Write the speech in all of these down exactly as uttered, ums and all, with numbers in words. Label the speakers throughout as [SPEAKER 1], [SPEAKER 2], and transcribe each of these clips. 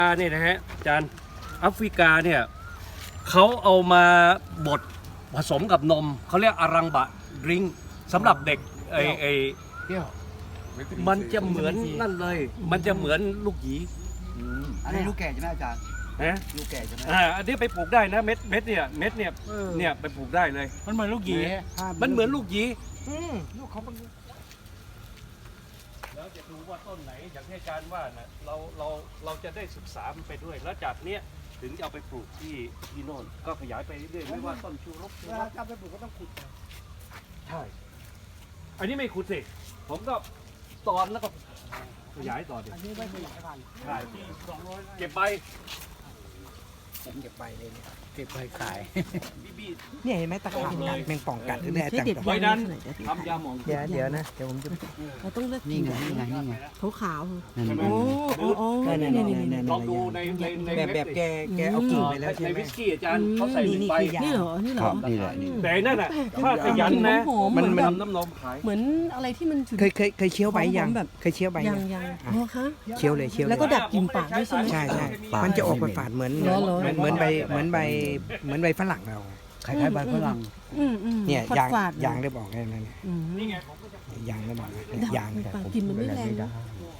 [SPEAKER 1] เนี่ยนะฮะอาจารย์แอฟริกาเนี่ยเขาเอามาบดผสมกับนมเขาเรียกอารังบะดริงสำหรับเด็กไอไอ
[SPEAKER 2] เปรี้ยว
[SPEAKER 1] มันจะเหมือนนั่นเลย มันจะเหมือนลูกหยี
[SPEAKER 2] อันนี้ลูกแก่ใช่ไหมอาจารย์
[SPEAKER 1] นะ
[SPEAKER 2] ลูกแก่ใช่ไหม
[SPEAKER 1] อ่าอันนี้ไปปลูกได้นะเม็ดเม็ดเนี่ยเม็ดเนี่ยเนี่ยไปปลูกได้เลย
[SPEAKER 3] มันเหมือนลูกหยี
[SPEAKER 1] มันเหมือนลูกหยี
[SPEAKER 3] อืมลูกเขามัน
[SPEAKER 1] แล้วจะดูว่าต้นไหนอย่างที่อาจารย์ว่านะเราเราเราจะได้ศึกษามันไปด้วย แล้วจากเนี้ยถึงจะเอาไปปลูกที่ที่โน่นก็ขยายไปเรื่อยๆไม่ว่าต้นชูรกชู
[SPEAKER 3] เว
[SPEAKER 1] ร
[SPEAKER 3] ลาก จะไปปลูกก็ต้องขุดก่อน
[SPEAKER 1] ใช่ อันนี้ไม่ขุดสิ ผมก็ตอนแล้วก็ขยายต่อดิ
[SPEAKER 3] อันนี้ไม่ขยายพันธุ์
[SPEAKER 1] ใช่
[SPEAKER 3] สองร้อยไร่
[SPEAKER 1] เก็บใบ
[SPEAKER 2] ผมเก็บใบเลยเนี่ยเก็บใบขาย
[SPEAKER 1] บี้บี้
[SPEAKER 4] เนี่ยเห็นไหมตะขาบกัดแมงป่องกัดหรือเนี่ยอาจารย์
[SPEAKER 1] ไว้นั้นทำยาหมอง
[SPEAKER 4] เดี๋ยวเดี๋ยวนะเดี๋ยวผมจะ
[SPEAKER 5] เราต้องเลือก
[SPEAKER 2] นี่
[SPEAKER 5] กิน
[SPEAKER 2] ไงนี่ไงนี่ไง
[SPEAKER 5] ขาวขาว
[SPEAKER 2] นั่น
[SPEAKER 1] ใช่ไหม
[SPEAKER 2] ไง
[SPEAKER 5] โอ้โอ้โอ้
[SPEAKER 4] นั่น
[SPEAKER 5] นี่
[SPEAKER 4] นั่น
[SPEAKER 5] นี่
[SPEAKER 4] นั่น
[SPEAKER 5] นี่
[SPEAKER 4] นั่น
[SPEAKER 1] ลองดูในในใน
[SPEAKER 4] แบบแบบแกแกเอากิ่งไปแล้วใช่
[SPEAKER 1] ใน
[SPEAKER 4] ไหม
[SPEAKER 1] วิสกี้อาจารย์เขาใส่หนึ่งใบ
[SPEAKER 4] นี่คือยา
[SPEAKER 5] นี่เหรอ นี่เหร
[SPEAKER 2] ครั
[SPEAKER 5] อบ
[SPEAKER 2] นี่แหละนี่
[SPEAKER 1] แต่นั่นน่ะถ้าขยันนะ
[SPEAKER 5] หอมๆ
[SPEAKER 4] มัน
[SPEAKER 5] เห
[SPEAKER 4] มัน
[SPEAKER 5] แบบ
[SPEAKER 1] ทำน้ำนมขาย
[SPEAKER 5] เหมือนอะไรที่มันฉุน
[SPEAKER 4] เคยเคยเคยเคี้ยวใบยัง
[SPEAKER 5] แบบ
[SPEAKER 4] เคยเคี้ยวใบ
[SPEAKER 5] ยั
[SPEAKER 4] ยัง ง
[SPEAKER 5] ยังอ๋อคะ
[SPEAKER 4] เคี้ยวเลยเคี้ยวเล
[SPEAKER 5] แล้ว
[SPEAKER 4] ย
[SPEAKER 5] ก็ดับกลิ่นปากด้วยใช่ไหม
[SPEAKER 4] ใช่ใช่มันจะออกฝาดๆเหมือน
[SPEAKER 5] เหรอเหรอ
[SPEAKER 4] เหมือนเหมือนใบเหมือนใบเหมือนใบฝรั่งเรา
[SPEAKER 2] คล้ายๆใบฝรั่ง
[SPEAKER 5] อืมอืม
[SPEAKER 4] เนี่ย
[SPEAKER 5] ฝาด
[SPEAKER 4] ยาง
[SPEAKER 5] ฝาด
[SPEAKER 4] ยางได้บอกแค่นั้น
[SPEAKER 5] อืม
[SPEAKER 1] นี่ไงผมก็จะ
[SPEAKER 4] ยางได้บอกนะเนี่ย
[SPEAKER 5] ดับ
[SPEAKER 4] ยาง
[SPEAKER 5] กลิ่นปากกลิ่นมันไม่แรงนะ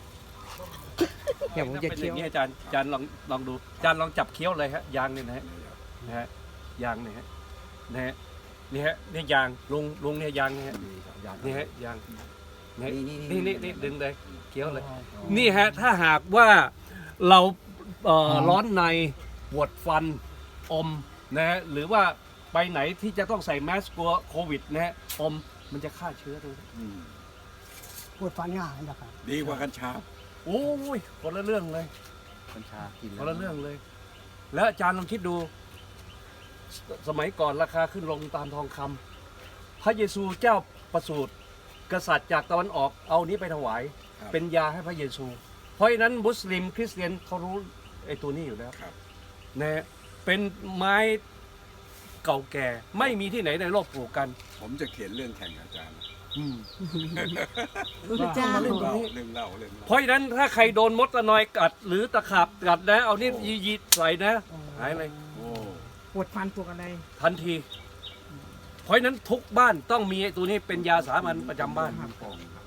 [SPEAKER 4] เนี่ยผมจะ
[SPEAKER 1] เป็นอ
[SPEAKER 4] เคี้ยว
[SPEAKER 1] ย่างนี้อาจารย์อาจารย์ลองลองดูอาจารย์ลองจับเคี้ยวเลยฮะยางเนี่ยนะฮะนะฮะยางเนี่ยฮะนะฮะนี่ฮะนี่ยางลุงลุงเนี่ยยางเนี่ยฮะนี่ฮะยางนี่นี่นี่นี่ดึงเลยเคี้ยวเลย นี่ฮะถ้าหากว่าเราเอ่อร้อนในปวดฟันอมนะฮะหรือว่าไปไหนที่จะต้องใส่แมสกลัวโควิดนะฮะอมมันจะฆ่าเชื้อด้วย
[SPEAKER 3] ปวดฟันง่ายนะครับ
[SPEAKER 6] ดีกว่ากัญชา
[SPEAKER 1] โอ้ยคนละเรื่องเลย
[SPEAKER 2] กัญชากิน
[SPEAKER 1] คนละเรื่องเลย แล้วอาจารย์ลองคิดดูสสมัยก่อนราคาขึ้นลงตามทองคำพระเยซูเจ้าประสูติกษัตริย์จากตะวันออกเอานี้ไปถวาย เป็นยาให้พระเยซู เพราะฉะนั้นมุสลิมคริสเตียนเขารู้ไอ้ตัวนี้อยู่แล้ว
[SPEAKER 6] ครับ
[SPEAKER 1] นะเป็นไม้เก่าแก่ไม่มีที่ไหนในโลกปลูกกัน
[SPEAKER 6] ผมจะเขียนเรื่องแข่งกับอาจารย์
[SPEAKER 5] พระเจ้า
[SPEAKER 6] เรื่องเล่าเรื่องเล่าเรื่องเล่า
[SPEAKER 1] เพราะฉะนั้นถ้าใครโดนมดตะนอยกัด หรือตะขาบกัดนะ เอานี่ยียีใส่นะหายเลย
[SPEAKER 6] โอ้
[SPEAKER 4] ปวดฟันปวดอะไร
[SPEAKER 1] ทันที เพราะฉะนั้นทุกบ้านต้องมีไอ้ตัวนี้เป็นยาสามัญประจำบ้าน
[SPEAKER 6] ปองครับ